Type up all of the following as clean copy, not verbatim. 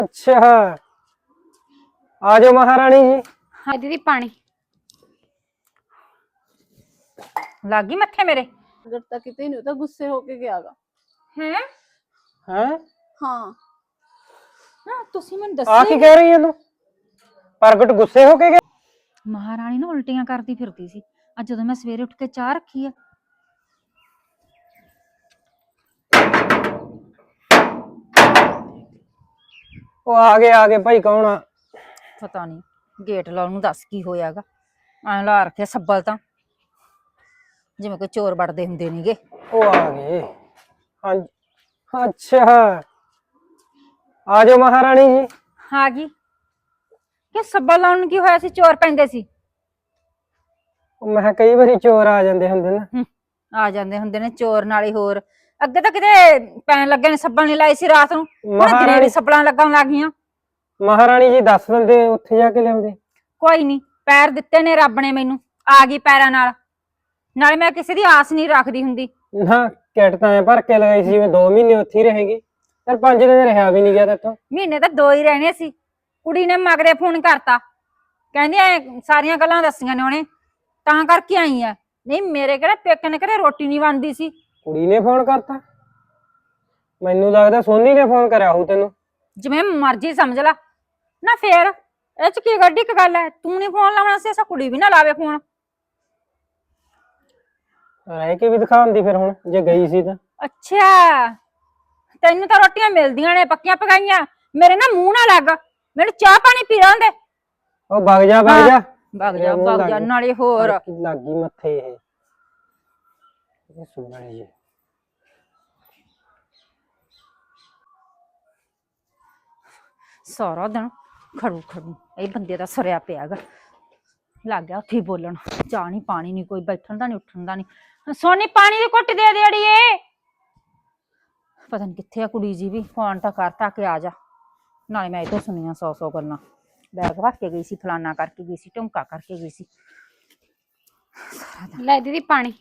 अच्छा आ जाओ महारानी जी। हाँ दीदी पानी लागी मत्थे मेरे डरता किते नहीं होता, गुस्से होके गयागा। हैं। हैं हाँ तुसी मैनूं आ दस्सिया की ही कह रही है तू? प्रगट गुस्से होके गया? नहीं। महारानी ना उल्टियां करती फिरती सी। अज जदों मैं सवेरे उठ के चाह रखी है वो आगे भाई कौन आ? पता नहीं गेट लाउण नूं दस की होयागा। ਐਂ ਲਾ ਰੱਖਿਆ ਸੱਬਲ ਤਾਂ ਜਿਵੇਂ ਕੋਈ ਚੋਰ ਵੜਦੇ ਹੁੰਦੇ ਨੇਗੇ। वो आ गए। हाँ जी। अच्छा आ जाओ महारानी जी। ਆ ਗਈ ਕਿ ਸੱਬਲ ਲਾਉਣ ਨੂੰ ਕੀ ਹੋਇਆ ਸੀ? ਚੋਰ ਪੈਂਦੇ ਸੀ। मैं कई बारी चोर आ जाते होंगे ना। ਆ ਜਾਂਦੇ ਹੁੰਦੇ ਨੇ ਚੋਰ ਨਾਲੇ ਹੋਰ। ਅੱਗੇ ਤਾਂ ਕਿਤੇ ਪੈਣ ਲੱਗੇ ਨੇ ਸੱਬਲ ਨਹੀਂ ਲਾਈ ਸੀ ਰਾਤ ਨੂੰ। ਹੁਣ ਦਿਨੇ ਵੀ ਸੱਬਲਾਂ ਲੱਗਣ ਲੱਗ ਗਈਆਂ। महारानी जी दस दिंदे उत्थे जाके लियाउंदे। ਕੋਈ ਨਹੀਂ ਪੈਰ ਦਿੱਤੇ ਨੇ ਰੱਬ ਨੇ ਮੈਨੂੰ। ਆ ਗਈ ਪੈਰਾਂ ਨਾਲ। ਨਾਲੇ ਮੈਂ ਕਿਸੇ ਦੀ ਆਸ ਨਹੀਂ ਰੱਖਦੀ ਹੁੰਦੀ। ना किट तां भर के लगाई सी, मैं 2 महीने उत्थे ही रहेगी। फिर 5 दिन रहा भी नहीं गया तेतों। ਮਹੀਨੇ ਤਾਂ 2 ਹੀ रहने ਸੀ। ਕੁੜੀ ਨੇ ਮਗਰੇ ਫੋਨ ਕਰਤਾ, ਕਹਿੰਦੀ ਐ ਸਾਰੀਆਂ ਗੱਲਾਂ ਦੱਸੀਆਂ ਨੇ ਉਹਨੇ, ਤਾਂ ਕਰਕੇ ਆਈ ਆ। ਨਹੀਂ ਮੇਰੇ ਕਿਹੜੇ ਪੇਕੇ ਨੇ ਘਰੇ ਰੋਟੀ ਨਹੀਂ ਬਣਦੀ ਸੀ। कुड़ी ने फोन करता? मैनू लगदा सोनी ने फोन करया होऊ तेनू। ਜਿਵੇਂ ਮਰਜ਼ੀ ਸਮਝ ਲਾ ਨਾ। ਫੇਰ ਇਹ ਚ ਕੀ ਗੱਡੀ ਕ ਗੱਲ ਐ? ਤੂੰ ਨਹੀਂ ਫੋਨ ਲਾਉਣਾ ਸੀ, ਐਸਾ ਕੁੜੀ ਵੀ ਨਾ ਲਾਵੇ ਫੋਨ। रह के भी दिखाउंदी फिर हुण जे गई सी तां। ਅੱਛਾ ਤੈਨੂੰ ਤਾਂ ਰੋਟੀਆਂ ਮਿਲਦੀਆਂ ਨੇ ਪੱਕੀਆਂ ਪਕਾਈਆਂ। ਮੇਰੇ ਨਾ ਮੂੰਹ ਨਾ ਲੱਗ, ਮੈਨੂੰ ਚਾਹ ਪਾਣੀ ਪੀ ਲੈਣ ਦੇ। ओ भग जा ਵਗ ਜਾ मेरे मुंह ਵਗ ਜਾ। लग ਨਾਲੇ ਹੋਰ लागी मथे ये सुनणी जी। ਸਾਰਾ ਦਿਨ ਖੜੂ ਖੜੂ ਇਹ ਬੰਦੇ ਦਾ ਸਰਿਆ ਪਿਆਗਾ। ਲੱਗ ਗਿਆ ਉੱਥੇ ਬੋਲਣ। ਚਾਹ ਨਹੀਂ ਪਾਣੀ ਨਹੀਂ, ਕੋਈ ਬੈਠਣ ਦਾ ਨਹੀਂ ਉੱਠਣ ਦਾ ਨਹੀਂ। ਸੋਨੀ ਪਾਣੀ ਦੀ ਘੁੱਟ ਦੇ ਦੇ ਅੜੀਏ। ਪਤਾ ਨਹੀਂ ਕਿੱਥੇ ਆ ਕੁੜੀ ਜੀ ਵੀ। ਫੋਨ ਤਾਂ ਕਰਤਾ ਕਿ ਆ ਜਾ। ਨਾਲੇ ਮੈਂ ਇਹ ਤੋਂ ਸੁਣੀਆਂ 100 ਗੱਲਾਂ। ਬੈਗ ਰੱਖ ਕੇ ਗਈ ਸੀ, ਫਲਾਨਾ ਕਰਕੇ ਗਈ ਸੀ, ਢੁੰਕਾ ਕਰਕੇ ਗਈ ਸੀ। ਲੈ दीदी पानी।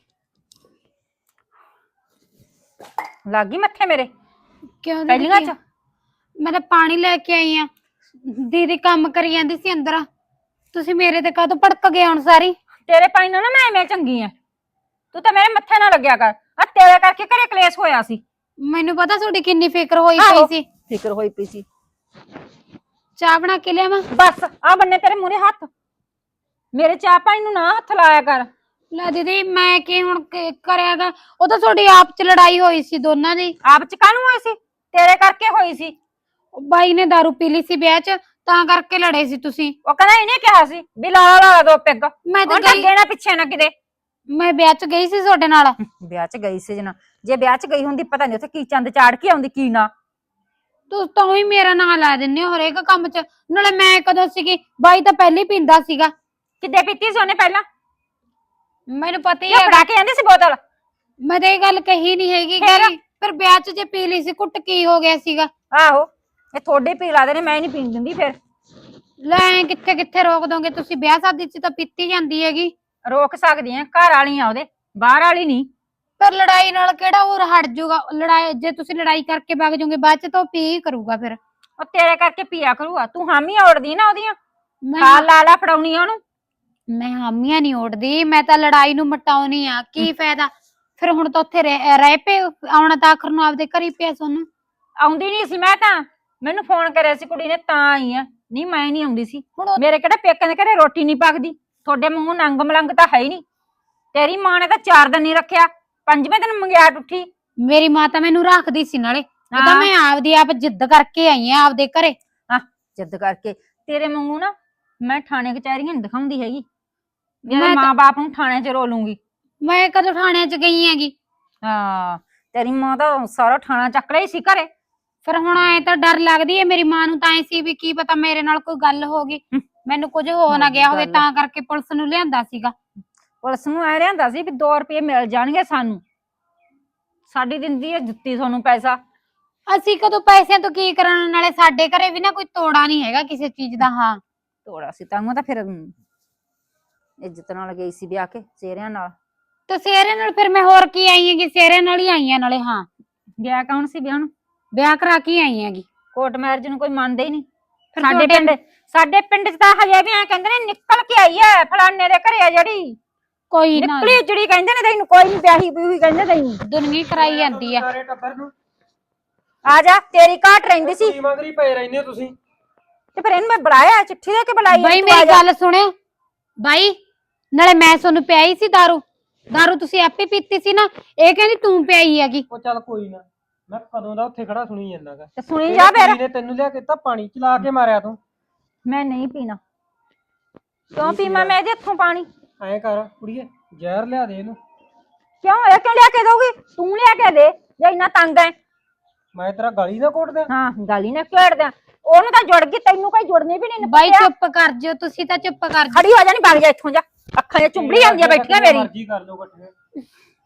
ਲੱਗ ਗਈ ਮੱਥੇ ਮੇਰੇ क्यों ਪਹਿਲੀਆਂ ਚ। मैं तो पानी लेके आई हाँ। दीदी काम करी जांदी सी अंदर, तुसी मेरे ते काहतों भड़क गए हुण सारी? ਤੇਰੇ ਪਾਈ ਨਾ ਮੈਂ ਐਵੇਂ ਚੰਗੀ ਆ। ਤੂੰ ਤਾਂ ਮੇਰੇ ਮੱਥੇ ਨਾ ਲੱਗਿਆ ਕਰ। ਆ ਤੇਰੇ ਕਰਕੇ ਘਰੇ ਕਲੇਸ਼ ਹੋਇਆ ਸੀ। मैनू पता थोड़ी किन्नी फिक्र होई आहो। पई सी। ਫਿਕਰ ਹੋਈ ਪਈ ਸੀ। चाह बना के लियावां? बस आ बन्ने तेरे मूहरे हथ। मेरे चाह पानी नूं ना हथ लाया कर। ਲੈ दीदी मैं की हुण करेगा? ओ तां थोड़ी आप च लड़ाई होई सी दोनां दी। आप च काहनूं होई सी? तेरे करके होई सी। बाई ने दारू पी ली सी ब्याह च, तां करके लड़े सी तुसी। ओ कहंदा इहने कहा सी भी ला ला दो पेग। मैं तो और गई, ना पिछे ना किते। मैं ब्याह च गई सी तुहाडे नाल। ब्याह च गई सी जना, जे ब्याह च गई हुंदी पता नहीं उत्थे की चंद चाड़ के आउंदी की ना। तुस तां ही मेरा नाम ला दिंदे हो हरेक काम च। नाले मैं कदों सीगी? बाई तां पहले ही पींदा सीगा। किदे पीती सी ओने पहला? मैनू पता ही ये है। फड़ा के आंदी सी बोतल। मैं तो ये गल कही नहीं हैगी फिर? कि फिर ब्याह च जे पी ली सी कुट की हो गया सीगा? आहो ये थोड़े पी लादे ने, मैं नहीं पीन दिंदी। फिर ले किथे किथे रोक दोगे तुसी? ब्याह शादी च तां पीती जांदी हैगी। रोक सकदी हैं, घर वाली आ ओदे, बाहर वाली नहीं। पर लड़ाई नाल केड़ा और हट जाऊगा? लड़ाई जे तुसी लड़ाई करके भाग जाओगे बाद च तो पी ही करूगा फिर। और तेरे करके पिया करूगा। तू हामी ओढ़दी ना ओदियां, मैं खा ला ला फड़ाउनी ओनू। मैं हामियां नहीं ओढ़दी, मैं तां लड़ाई नू मटाउनी आ। की फायदा फिर हुण तां उत्थे रह पे आउणा तां आखर नू आपदे घर ही पिया सोनू। आउंदी नहीं सी मैं तां, मैनू फोन करिया सी कुड़ी ने तां आई आ। नहीं मैं नहीं आउंदी सी। हुण मेरे किहड़े पेके दे घरे रोटी नहीं पकदी। थोड़े वांगू नंग मलंग तां है ही नहीं। तेरी मां ने तां 4 दिन नहीं रखिया, 5वें दिन मंगियाट उठी। मेरी मां तां मैनू रखदी सी नाले। हाँ। तां मैं आपदी आप जिद्द करके आई आ आपदे घरे। हाँ जिद करके तेरे वांगू ना मैं थाने कचहरियां नहीं दिखाउंदी हैगी। मेरे मैं मां बाप नू थाने च रोलूंगी। मैं कदों थाने च गई हैगी? हाँ तेरी मां तां सारा थाना चक रही सी घरे। फिर हुण ऐ तां डर लगदी है मेरी मां नू तां ऐ सी भी की पता मेरे नाल कोई गल हो गई, मैनू कुछ हो ना गया होवे, तां करके पुलिस नू लिआंदा सीगा। पुलिस नू ऐ लिआंदा सी भी 2 रुपये मिल जाणगे सानू। साडी दिंदी है जुत्ती सोनू पैसा। ਅਸੀਂ ਕਦੋਂ ਪੈਸਿਆਂ ਤੋਂ ਕੀ ਕਰਨ? ਨਾਲੇ ਸਾਡੇ ਘਰੇ ਵੀ ਨਾ ਕੋਈ ਤੋੜਾ ਨਹੀਂ ਹੈਗਾ ਕਿਸੇ ਚੀਜ਼ ਦਾ। ਹਾਂ ਤੋੜਾ ਸੀ ਤਾਂ ਤਾਂ ਫਿਰ ਇੱਜ਼ਤ ਨਾਲ ਗਈ ਸੀ ਵਿਆਹ ਕੇ ਚਿਹਰਿਆਂ ਨਾਲ। ਤੇ ਸਿਹਰੇ ਨਾਲ ਫਿਰ ਮੈਂ ਹੋਰ ਕੀ ਆਈ ਹੈਗੀ? ਸਿਹਰੇ ਨਾਲ ਹੀ ਆਈ ਆ ਨਾਲੇ। ਹਾਂ ਗਿਆ ਕੌਣ ਸੀ ਵਿਆਹ ਨੂੰ? ਵਿਆਹ ਕਰਾ ਕੇ ਆਈ ਹੈਗੀ। ਕੋਰਟ ਮੈਰਿਜ ਨੂੰ ਕੋਈ ਮੰਨਦਾ ਹੀ ਨਹੀਂ। ਫਿਰ ਸਾਡੇ ਪਿੰਡ ਚ ਤਾਂ ਹਜੇ ਵੀ ਐ ਕਹਿੰਦੇ ਨੇ ਨਿਕਲ ਕੇ ਆਈ ਐ ਫਲਾਣੇ ਦੇ ਘਰੇ ਆ ਜਿਹੜੀ ਕੋਈ ਨਾ ਨਿਕਲੀ ਜਿਹੜੀ ਕਹਿੰਦੇ ਨੇ ਤੈਨੂੰ ਕੋਈ ਨਹੀਂ ਵਿਆਹੀ ਬੂਹੀ ਕਹਿੰਦੇ ਤੈਨੂੰ ਦੁਨੀਆ ਕਰਾਈ ਜਾਂਦੀ ਆ। ਸਾਰੇ ਟੱਬਰ ਨੂੰ ਆ ਜਾ ਤੇਰੀ ਘਾਟ ਰਹਿੰਦੀ ਸੀ ਕੁੜੀ ਮੰਗਰੀ ਪਏ ਰਹਿੰਦੇ ਹੋ ਤੁਸੀਂ। ਤੇ ਫਿਰ ਇਹਨੂੰ ਮੈਂ ਬੁਲਾਇਆ ਚਿੱਠੀ ਦੇ ਕੇ ਬੁਲਾਈ ਬਾਈ ਮੇਰੀ ਗੱਲ ਸੁਣਿਓ ਬਾਈ, ਨਾਲੇ ਮੈਂ ਤੁਹਾਨੂੰ ਪਿਆਈ ਸੀ ਦਾਰੂ ਤੁਸੀਂ ਆਪੇ ਪੀਤੀ ਸੀ ਨਾ, ਇਹ ਕਹਿੰਦੀ ਤੂੰ ਪਿਆਈ ਹੈਗੀ। ਉਹ ਚੱਲ ਕੋਈ ਨਾ, ਮੈਂ ਕਦੋਂ ਦਾ ਉੱਥੇ ਖੜਾ ਸੁਣੀ ਜਾਂਦਾਗਾ। ਤੇ ਸੁਣੀ ਜਾ ਫਿਰ। ਨੇ ਤੈਨੂੰ ਲਿਆ ਕੇ ਤਾਂ ਪਾਣੀ ਚਲਾ ਕੇ ਮਾਰਿਆ ਤੂੰ। ਮੈਂ ਨਹੀਂ ਪੀਣਾ। ਕਿਉਂ ਪੀਵਾਂ ਮੈਂ ਇਹਦੇ ਹੱਥੋਂ ਪਾਣੀ? ਐਂ ਕਰ ਕੁੜੀਏ, ਜ਼ਹਿਰ ਲਿਆ ਦੇ ਇਹਨੂੰ। ਕਿਉਂ ਇਹ ਕਿਉਂ ਲਿਆ ਕੇ ਦਊਗੀ? ਤੂੰ ਲਿਆ ਕੇ ਦੇ ਜੇ ਇੰਨਾ ਤੰਗ ਐ। ਮੈਂ ਤੇਰਾ ਗਾਲੀ ਨਾ ਕੋਟ ਦਿਆਂ। ਹਾਂ ਗਾਲੀ ਨਾ ਘੇੜ ਦਿਆਂ। ਉਹਨੂੰ ਤਾਂ ਜੁੜ ਗਈ, ਤੈਨੂੰ ਕੋਈ ਜੁੜਨੀ ਵੀ ਨਹੀਂ। ਬਾਈ ਚੁੱਪ ਕਰ ਜਿਓ, ਤੁਸੀਂ ਤਾਂ ਚੁੱਪ ਕਰ ਜਿਓ। ਖੜੀ ਹੋ ਜਾ, ਨਹੀਂ ਵਗ ਜਾ ਇੱਥੋਂ ਜਾ। ਅੱਖਾਂ 'ਚ ਚੁੰਬੜੀ ਆਉਂਦੀਆਂ ਬੈਠੀਆਂ ਮੇਰੀ। ਮਰਜ਼ੀ ਕਰ ਲਓ ਇਕੱਠੀਆਂ।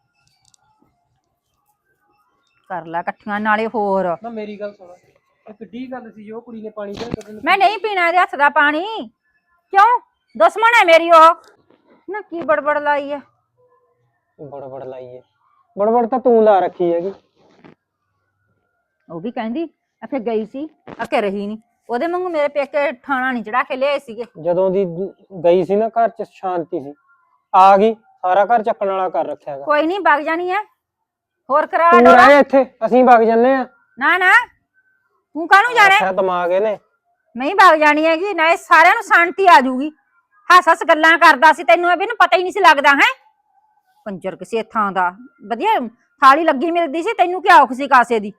ਕਰ ਲੈ ਇਕੱਠੀਆਂ ਨਾਲੇ ਹੋਰ। ਨਾ ਮੇਰੀ ਗੱਲ ਸੁਣ, ਇਹ ਕਿੱਡੀ ਗੱਲ ਸੀ ਜੋ ਕੁੜੀ ਨੇ ਪਾਣੀ ਦੇ। ਮੈਂ ਨਹੀਂ ਪੀਣਾ ਇਹਦੇ ਹੱਥ ਦਾ ਪਾਣੀ। ਕਿਉਂ? ਦੁਸ਼ਮਣ ਹੈ ਮੇਰੀ ਉਹ। ਨਾ ਕੀ ਬੜਬੜ ਲਾਈ ਹੈ? ਬੜਬੜ ਲਾਈਏ? ਬੜਬੜ ਤਾਂ ਤੂੰ ਲਾ ਰੱਖੀ ਹੈਗੀ। ਉਹ ਵੀ ਕਹਿੰਦੀ ਅਖੇ ਗਈ ਸੀ ਅਕੇ ਰਹੀ ਨਹੀਂ। ਉਹਦੇ ਵਾਂਗੂ ਮੇਰੇ ਪੇਕੇ ਠਾਣਾ ਨਹੀਂ ਚੜਾ ਕੇ ਲਿਆਏ ਸੀਗੇ। ਜਦੋਂ ਦੀ ਗਈ ਸੀ ਨਾ ਘਰ 'ਚ ਸ਼ਾਂਤੀ ਸੀ, ਆ ਗਈ ਸਾਰਾ ਘਰ ਚੱਕਣ ਵਾਲਾ ਕਰ ਰੱਖਿਆ ਹੈਗਾ। ਕੋਈ ਨਹੀਂ ਵਗ ਜਾਣੀ ਹੈ ਹੋਰ ਕਰਾ ਤੂੰ ਰਹਿ ਇੱਥੇ, ਅਸੀਂ ਵਗ ਜੰਨੇ ਆ। ਨਾ ਨਾ ਤੂੰ ਕਾਹਨੂੰ ਜਾ ਰਿਹਾ? ਦਿਮਾਗ ਇਹਨੇ। ਨਹੀਂ ਵਗ ਜਾਣੀ ਹੈਗੀ ਨਾ, ਇਹ ਸਾਰਿਆਂ ਨੂੰ ਸ਼ਾਂਤੀ ਆ ਜਾਊਗੀ। ਹੱਸ ਹੱਸ ਗੱਲਾਂ ਕਰਦਾ ਸੀ, ਤੈਨੂੰ ਇਹ ਵੀ ਨੂੰ ਪਤਾ ਹੀ ਨਹੀਂ ਸੀ ਲੱਗਦਾ ਹੈ। ਕੰਜਰ ਕਿਸੇ ਥਾਂ ਦਾ ਵਧੀਆ ਥਾਲੀ ਲੱਗੀ ਮਿਲਦੀ ਸੀ, ਤੈਨੂੰ ਕੀ ਔਖ ਸੀ ਕਾਸੇ ਦੀ?